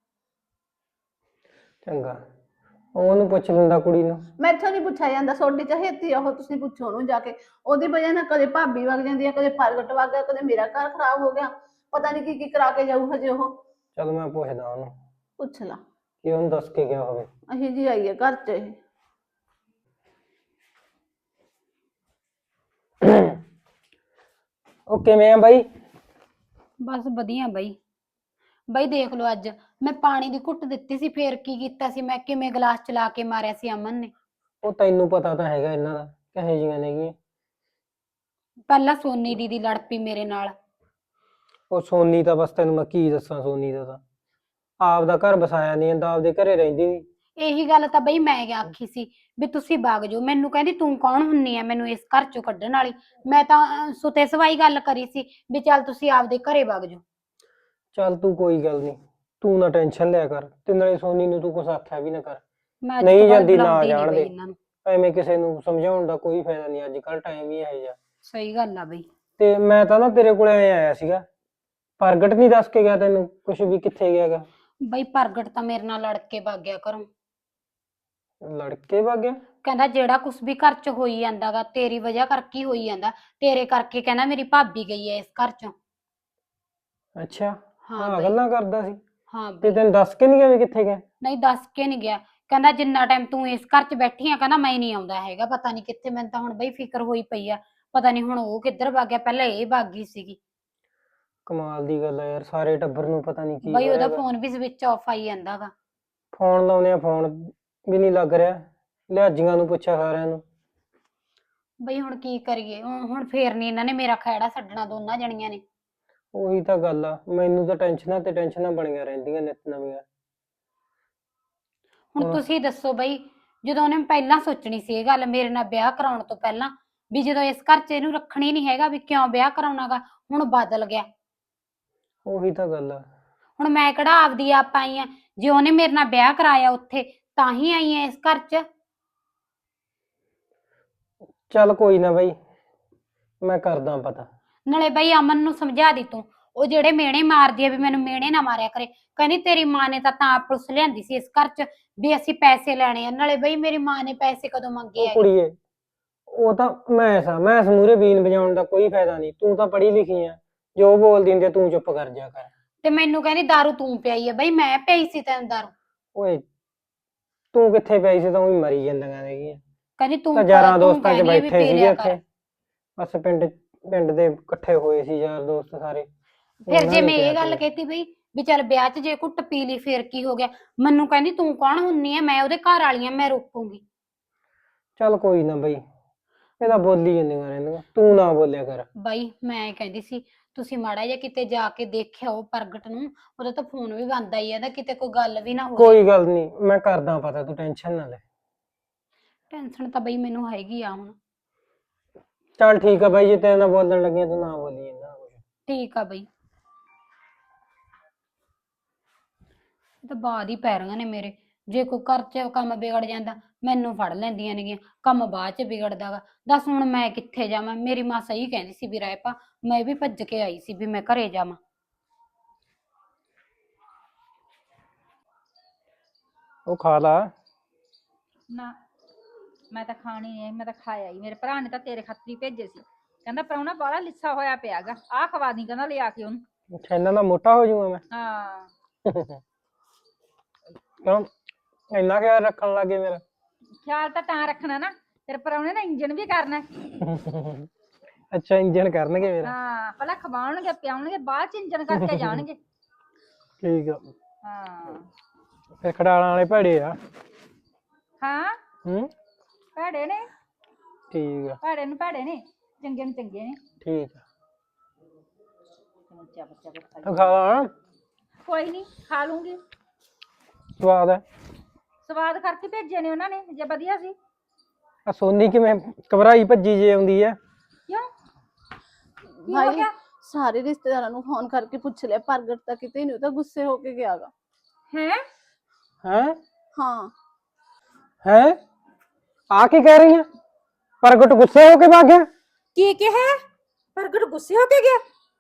ਚੰਗਾ, ਉਹਨੂੰ ਪੁੱਛ ਲੈਂਦਾ ਕੁੜੀ ਨੂੰ। ਮੈਥੋਂ ਨਹੀਂ ਪੁੱਛਿਆ ਜਾਂਦਾ, ਤੁਹਾਡੀ ਚਹੇਤੀ ਆ ਉਹ, ਤੁਸੀਂ ਪੁੱਛੋ ਉਹਨੂੰ ਜਾ ਕੇ। ਉਹਦੀ ਵਜ੍ਹਾ ਨਾਲ ਕਦੇ ਭਾਬੀ ਵਗ ਜਾਂਦੀ ਆ, ਕਦੇ ਪ੍ਰਗਟ ਵਗ ਗਿਆ, ਕਦੇ ਮੇਰਾ ਘਰ ਖਰਾਬ ਹੋ ਗਿਆ। ਪਤਾ ਨਹੀਂ ਕੀ ਕੀ ਕਰਾ ਕੇ ਜਾਊ ਹਜੇ ਉਹ। ਚਲ ਮੈਂ ਪੁੱਛਦਾ ਉਹਨੂੰ ਪੁੱਛ ਲਾ, ਕਿ ਉਹਨੂੰ ਦੱਸ ਕੇ ਗਿਆ ਹੋਵੇ। ਅਹੀ ਜੀ ਆਈ ਹੈ ਘਰ ਚ ਇਹ। ਉਹ ਕਿਵੇਂ ਆ ਬਾਈ? ਬਸ ਵਧੀਆ ਬਾਈ। ਬਾਈ ਦੇਖ ਲਓ, ਅੱਜ ਮੈਂ ਪਾਣੀ ਦੀ ਘੁੱਟ ਦਿੱਤੀ ਸੀ, ਫੇਰ ਕੀ ਕੀਤਾ ਸੀ ਮੈਂ, ਕਿਵੇਂ ਗਲਾਸ ਚਲਾ ਕੇ ਮਾਰਿਆ ਸੀ ਅਮਨ ਨੇ। ਉਹ ਤੈਨੂੰ ਪਤਾ ਤਾਂ ਹੈਗਾ ਇਹਨਾਂ ਦਾ ਕਹੇ ਜੀਆਂ ਨੇਗੀਆਂ। ਪਹਿਲਾਂ ਸੋਨੀ ਦੀਦੀ ਲੜ ਪਈ ਮੇਰੇ ਨਾਲ। ਉਹ ਸੋਨੀ ਤਾਂ ਬਸ ਤੈਨੂੰ ਮੈਂ ਕੀ ਦੱਸਾਂ, ਸੋਨੀ ਦਾ ਤਾਂ ਆਪਦਾ ਘਰ ਵਸਾਇਆ ਨਹੀਂ ਜਾਂਦਾ, ਆਪਦੇ ਘਰੇ ਰਹਿੰਦੀ ਨੀ। ਇਹੀ ਗੱਲ ਤਾਂ ਬਈ ਮੈਂ ਆਖੀ ਸੀ ਵੀ ਤੁਸੀਂ ਵਗ ਜਾਓ। ਮੈਨੂੰ ਕਹਿੰਦੀ ਤੂੰ ਕੌਣ ਹੁੰਨੀ ਆ ਮੈਨੂੰ ਇਸ ਘਰ ਚੋਂ ਕੱਢਣ ਵਾਲੀ। ਮੈਂ ਤਾਂ ਸੁਤੇ ਸਵਾਈ ਗੱਲ ਕਰੀ ਸੀ ਵੀ ਚੱਲ ਤੁਸੀਂ ਆਪਦੇ ਘਰੇ ਵਗ ਜਾਓ। ਚੱਲ ਤੂੰ ਕੋਈ ਗੱਲ ਨਹੀਂ, ਤੂੰ ਨਾ ਟੈਨਸ਼ਨ ਲਿਆ ਕਰ, ਤੇ ਨਾਲੇ ਸੋਨੀ ਨੂੰ ਤੂੰ ਕੁਛ ਆਖਿਆ ਵੀ ਨਾ ਕਰ। ਮੈਂ ਅੱਜ ਨਹੀਂ ਤੋਂ ਬਾਅਦ ਜਾਂਦੀ ਨਾ ਬੁਲਾਉਂਦੀ ਨੀ ਜਾਣ ਬਈ ਦੇ। ਇਹਨਾਂ ਨੂੰ। ਐਵੇਂ ਕਿਸੇ ਨੂੰ ਸਮਝਾਉਣ ਦਾ ਕੋਈ ਫਾਇਦਾ ਨਹੀਂ, ਅੱਜ ਕੱਲ ਟਾਈਮ ਹੀ ਇਹੋ ਜਿਹਾ। ਸਹੀ ਗੱਲ ਆ ਬਈ। ਤੇ ਮੈਂ ਤਾਂ ਨਾ ਤੇਰੇ ਕੋਲੇ ਆਇਆ ਸੀਗਾ, ਪ੍ਰਗਟ ਨਹੀਂ ਦੱਸ ਕੇ ਗਿਆ ਤੈਨੂੰ ਕੁਛ ਵੀ ਕਿੱਥੇ ਗਿਆਗਾ? ਬਈ ਪ੍ਰਗਟ ਤਾਂ ਮੇਰੇ ਨਾਲ ਲੜ ਕੇ ਵਗ ਗਿਆ ਘਰੋਂ। ਲੜਕੇ ਵਗ ਗਿਆ? ਕਹਿੰਦਾ ਜਿਹੜਾ ਕੁਛ ਵੀ ਘਰ ਚ ਹੋਈ ਜਾਂਦਾਗਾ ਤੇਰੀ ਵਜ੍ਹਾ ਕਰਕੇ ਹੀ ਹੋਈ ਜਾਂਦਾ, ਤੇਰੇ ਕਰਕੇ ਕਹਿੰਦਾ ਮੇਰੀ ਭਾਬੀ ਗਈ ਐ ਇਸ ਘਰ ਚੋਂ। ਅੱਛਾ, ਹਾਂ ਹਾਂ ਬਈ। ਗੱਲਾਂ ਕਰਦਾ ਸੀ। ਹਾਂ ਤੇ ਬਈ। ਤੈਨੂੰ ਦੱਸ ਕੇ ਨਹੀਂ ਗਿਆ ਵੀ ਕਿੱਥੇ ਗਿਆ? ਨਹੀਂ ਦੱਸ ਕੇ ਨਹੀਂ ਗਿਆ। ਕਹਿੰਦਾ ਜਿੰਨਾ ਟਾਈਮ ਤੂੰ ਇਸ ਘਰ ਚ ਬੈਠੀ ਆ ਕਹਿੰਦਾ ਮੈਂ ਨਹੀਂ ਆਉਂਦਾ ਹੈਗਾ, ਪਤਾ ਨਹੀਂ ਕਿੱਥੇ। ਮੈਨੂੰ ਤਾਂ ਹੁਣ ਬਈ ਫਿਕਰ ਹੋਈ ਪਈ ਆ, ਪਤਾ ਨਹੀਂ ਹੁਣ ਉਹ ਕਿੱਧਰ ਵਗ ਗਿਆ, ਪਹਿਲਾਂ ਇਹ ਵਗ ਗਈ ਸੀਗੀ। ਕਮਾਲ ਦੀ ਗੱਲ ਆ ਯਾਰ, ਸਾਰੇ ਟੱਬਰ ਨੂੰ ਪਤਾ ਨਹੀਂ ਕੀ ਬਈ ਹੋ ਉਹਦਾ ਰਿਹਾ। ਫੋਨ ਵੀ ਸਵਿਚ ਆਫ ਆਈ ਜਾਂਦਾਗਾ। ਫੋਨ ਲਾਉਣੇ ਆ, ਫੋਨ ਵੀ ਨਹੀਂ ਲੱਗ ਰਿਹਾ। ਲਿਹਾਜੀਆਂ ਨੂੰ ਪੁੱਛਿਆ ਸਾਰਿਆਂ ਨੂੰ। ਬਈ ਹੁਣ ਕੀ ਕਰੀਏ, ਹੁਣ ਫੇਰ ਨਹੀਂ ਇਹਨਾਂ ਨੇ ਮੇਰਾ ਖਹਿੜਾ ਛੱਡਣਾ, ਦੋਨਾਂ ਜਣੀਆਂ ਨੇ। ਉਹੀ ਤਾਂ ਗੱਲ ਆ, ਮੈਨੂੰ ਤਾਂ ਟੈਨਸ਼ਨਾਂ ਤੇ ਟੈਨਸ਼ਨਾਂ ਬਣੀਆਂ ਰਹਿੰਦੀਆਂ ਨਿੱਤ ਨਵੀਆਂ। ਹੁਣ ਤੁਸੀਂ ਦੱਸੋ ਬਈ, ਜਦੋਂ ਉਹਨੇ ਪਹਿਲਾਂ ਸੋਚਣੀ ਸੀ ਇਹ ਗੱਲ ਮੇਰੇ ਨਾਲ ਵਿਆਹ ਕਰਾਉਣ ਤੋਂ ਪਹਿਲਾਂ, ਵੀ ਜਦੋਂ ਇਸ ਘਰ 'ਚ ਇਹਨੂੰ ਰੱਖਣੀ ਨਹੀਂ ਹੈਗਾ ਵੀ ਕਿਉਂ ਵਿਆਹ ਕਰਾਉਣਾਗਾ, ਹੁਣ ਬਦਲ ਗਿਆ। ਉਹੀ ਤਾਂ ਗੱਲ ਆ। ਹੁਣ ਮੈਂ ਕਿਹੜਾ ਆਪਦੀ ਆਪ ਆਈ ਆ, ਜੇ ਉਹਨੇ ਮੇਰੇ ਨਾਲ ਵਿਆਹ ਕਰਾਇਆ ਉੱਥੇ ਤਾਂ ਹੀ ਆਈ ਆ ਇਸ ਘਰ 'ਚ। ਚੱਲ ਕੋਈ ਨਾ ਬਾਈ, ਮੈਂ ਕਰਦਾ ਪਤਾ। ਨਾਲੇ ਬਈ ਅਮਨ ਨੂੰ ਸਮਝਾ ਦੀ ਤੂੰ, ਉਹ ਜਿਹੜੇ ਮਿਹਣੇ ਮਾਰਦੀ ਆ ਵੀ ਮੈਨੂੰ ਮਿਹਣੇ ਨਾ ਮਾਰਿਆ ਕਰੇ। ਕਹਿੰਦੀ ਤੇਰੀ ਮਾਂ ਨੇ ਤਾਂ ਪੁਲਿਸ ਲਿਆਂਦੀ ਸੀ ਇਸ ਘਰ 'ਚ ਵੀ ਅਸੀਂ ਪੈਸੇ ਲੈਣੇ ਆ। ਨਾਲੇ ਬਈ ਮੇਰੀ ਮਾਂ ਨੇ ਪੈਸੇ ਕਦੋਂ ਮੰਗੇ ਉਹ ਹੈਗੇ? ਕੁੜੀਏ, ਉਹ ਤਾਂ ਮੈਂ ਮੂਹਰੇ ਬੀਨ ਵਜਾਉਣ ਦਾ ਕੋਈ ਫਾਇਦਾ ਨਹੀਂ। ਤੂੰ ਤਾਂ ਪੜ੍ਹੀ ਲਿਖੀ ਆ, ਜੋ ਬੋਲਦੀ ਹੁੰਦੀ ਆ ਤੂੰ ਚੁੱਪ ਕਰ ਜਾ ਕਰ। ਤੇ ਮੈਨੂੰ ਕਹਿੰਦੀ ਦਾਰੂ ਤੂੰ ਪਿਆਈ ਆ। ਬਈ ਮੈਂ ਪਿਆਈ ਸੀ ਤੈਨੂੰ ਦਾਰੂ? ਓਏ ਤੂੰ ਕਿੱਥੇ ਪਈ ਸੀ, ਤਾਂ ਉਹੀ ਮਰੀ ਜਾਂਦੀਆਂ ਨੇਗੀਆਂ। ਕਹਿੰਦੀ ਤੂੰ ਤਾਂ ਯਾਰਾਂ ਤੂੰ ਦੋਸਤਾਂ 'ਚ ਕਹਿੰਦੀ ਆ ਵੀ ਬੈਠੇ ਪੀ ਸੀਗੇ ਲਿਆ ਕਰ। ਉੱਥੇ, ਬਸ ਪਿੰਡ ਦੇ ਇਕੱਠੇ ਹੋਏ ਸੀ ਯਾਰ ਦੋਸਤ ਸਾਰੇ। ਫਿਰ ਉਹਨਾਂ ਜੇ ਨੇ ਮੈਂ ਕਿਹਾ ਇਹ ਗੱਲ ਸੀਗਾ। ਕਹਿਤੀ ਬਈ ਵੀ ਚੱਲ ਵਿਆਹ 'ਚ ਜੇ ਘੁੱਟ ਪੀ ਲਈ ਫੇਰ ਕੀ ਹੋ ਗਿਆ, ਮੈਨੂੰ ਕਹਿੰਦੀ ਤੂੰ ਕੌਣ ਹੁੰਨੀ ਆ, ਮੈਂ ਉਹਦੇ ਘਰ ਵਾਲੀ ਆ, ਮੈਂ ਰੋਕੂੰਗੀ। ਚੱਲ ਕੋਈ ਨਾ ਬਈ, ਇਹਦਾ ਬੋਲੀ ਜਾਂਦੀਆਂ ਰਹਿੰਦੀਆਂ, ਤੂੰ ਨਾ ਬੋਲਿਆ ਕਰ। ਬਾਈ ਮੈਂ ਕਹਿੰਦੀ ਸੀ ਤੁਸੀਂ ਮਾੜਾ ਜਿਹਾ ਕਿਤੇ ਜਾ ਕੇ ਦੇਖਿਆ ਉਹ ਪ੍ਰਗਟ ਨੂੰ, ਉਹਦਾ ਤਾਂ ਫੋਨ ਵੀ ਬੰਦ ਆਈ ਜਾਂਦਾ, ਕਿਤੇ ਕੋਈ ਗੱਲ ਵੀ ਨਾ ਹੋ ਜਾਏ। ਕੋਈ ਗੱਲ ਨਹੀਂ, ਮੈਂ ਕਰਦਾ ਪਤਾ, ਤੂੰ ਟੈਨਸ਼ਨ ਨਾ ਲੈ। ਟੈਨਸ਼ਨ ਤਾਂ ਬਈ ਮੈਨੂੰ ਹੈਗੀ ਆ ਹੁਣ। ਚੱਲ ਠੀਕ ਆ ਬਾਈ, ਜੇ ਤੇਰੇ ਨਾਲ ਬੋਲਣ ਲੱਗੀਆਂ ਤੂੰ ਨਾ ਬੋਲੀ ਇਹਨਾਂ ਕੁਛ। ਠੀਕ ਆ ਬਈ। ਇਹ ਤਾਂ ਬਾਅਦ ਹੀ ਪੈ ਰਹੀਆਂ ਨੇ ਮੇਰੇ, ਜੇ ਕੋਈ ਘਰ 'ਚ ਕੰਮ ਵਿਗੜ ਜਾਂਦਾ ਮੈਨੂੰ ਫੜ ਲੈਂਦੀਆਂ ਨੇਗੀਆਂ, ਕੰਮ ਬਾਅਦ 'ਚ ਵਿਗੜਦਾਗਾ। ਦੱਸ ਹੁਣ ਮੈਂ ਕਿੱਥੇ ਜਾਵਾਂ? ਮੇਰੀ ਮਾਂ ਸਹੀ ਕਹਿੰਦੀ ਸੀ ਵੀ ਰਹਿ ਪਾ, ਮੈਂ ਵੀ ਭੱਜ ਕੇ ਆਈ ਸੀ ਵੀ ਮੈਂ ਘਰੇ ਜਾਵਾਂ। ਉਹ ਖਾ ਲਾ। ਨਾ ਮੈਂ ਤਾਂ ਖਾਣੀ ਨਹੀਂ, ਮੈਂ ਤਾਂ ਖਾਇਆ ਹੀ। ਮੇਰੇ ਭਰਾ ਨੇ ਤਾਂ ਤੇਰੇ ਖਾਤਰੀ ਭੇਜੇ ਸੀ, ਕਹਿੰਦਾ ਪ੍ਰਾਹੁਣਾ ਬਾਹਲਾ ਲਿੱਸਾ ਹੋਇਆ ਪਿਆਗਾ, ਆਹ ਖਵਾ ਦੀ ਕਹਿੰਦਾ ਲਿਆ ਕੇ ਉਹਨੂੰ। ਅੱਛਾ, ਇਹਨਾਂ ਦਾ ਮੋਟਾ ਹੋ ਜਾਊਗਾ ਮੈਂ? ਹਾਂ ਕਿਉਂ ਇੰਨਾ ਖਿਆਲ ਰੱਖਣ ਲੱਗੇ ਮੇਰਾ? ਖਿਆਲ ਤਾਂ ਰੱਖਣਾ ਨਾ, ਤੇਰੇ ਪ੍ਰਾਹੁਣੇ ਦਾ ਇੰਜਣ ਵੀ ਕਰਨਾ। ਅੱਛਾ, ਇੰਜਣ ਕਰਨਗੇ ਮੇਰਾ? ਹਾਂ, ਪਹਿਲਾਂ ਖਵਾਉਣਗੇ ਪਿਆਉਣਗੇ, ਬਾਅਦ ਚ ਇੰਜਣ ਕਰਕੇ ਜਾਣਗੇ। ਠੀਕ ਆ। ਹਾਂ ਫਿਰ ਖੜਾਲਾਂ ਵਾਲੇ ਭੜੇ ਆ? ਹਾਂ ਹੂੰ, ਭੈੜੇ ਨੇ, ਠੀਕ ਆ। ਭੈੜੇ ਨੂੰ ਭੈੜੇ ਨੇ, ਚੰਗੇ ਨੂੰ ਚੰਗੇ ਨੇ। ਠੀਕ ਆ, ਬੱਚਾ ਬੱਚਾ ਤੂੰ ਖਾ ਲਾ। ਕੋਈ ਨਹੀਂ, ਖਾ ਲੂੰਗੀ। ਸਵਾਦ ਹੈ? ਸਵਾਦ ਕਰਕੇ ਭੇਜੇ ਨੇ ਉਹਨਾਂ ਨੇ, ਜੇ ਵਧੀਆ ਸੀ। ਆ ਸੋਨੀ ਕਿਵੇਂ ਘਬਰਾਈ ਭੱਜੀ ਜੇ ਆਉਂਦੀ ਹੈ? ਕਿਉਂ ਕੀ ਹੋ ਭਾਈ ਗਿਆ? ਸਾਰੇ ਰਿਸ਼ਤੇਦਾਰਾਂ ਨੂੰ ਫੋਨ ਕਰਕੇ ਪੁੱਛ ਲਿਆ, ਪ੍ਰਗਟ ਤਾਂ ਕਿਤੇ ਨਹੀਂ, ਉਹ ਤਾਂ ਗੁੱਸੇ ਹੋ ਕੇ ਗਿਆਗਾ। ਹੈ ਹੈਂ? ਹਾਂ ਹੈ ਆ ਕੀ ਕਹਿ ਰਹੀ ਹੈ? ਪ੍ਰਗਟ ਗੁੱਸੇ ਹੋ ਕੇ ਭੱਗ ਗਿਆ। ਕੀ ਕਿਹਾ ਪ੍ਰਗਟ ਗੁੱਸੇ ਹੋ ਕੇ ਗਿਆ?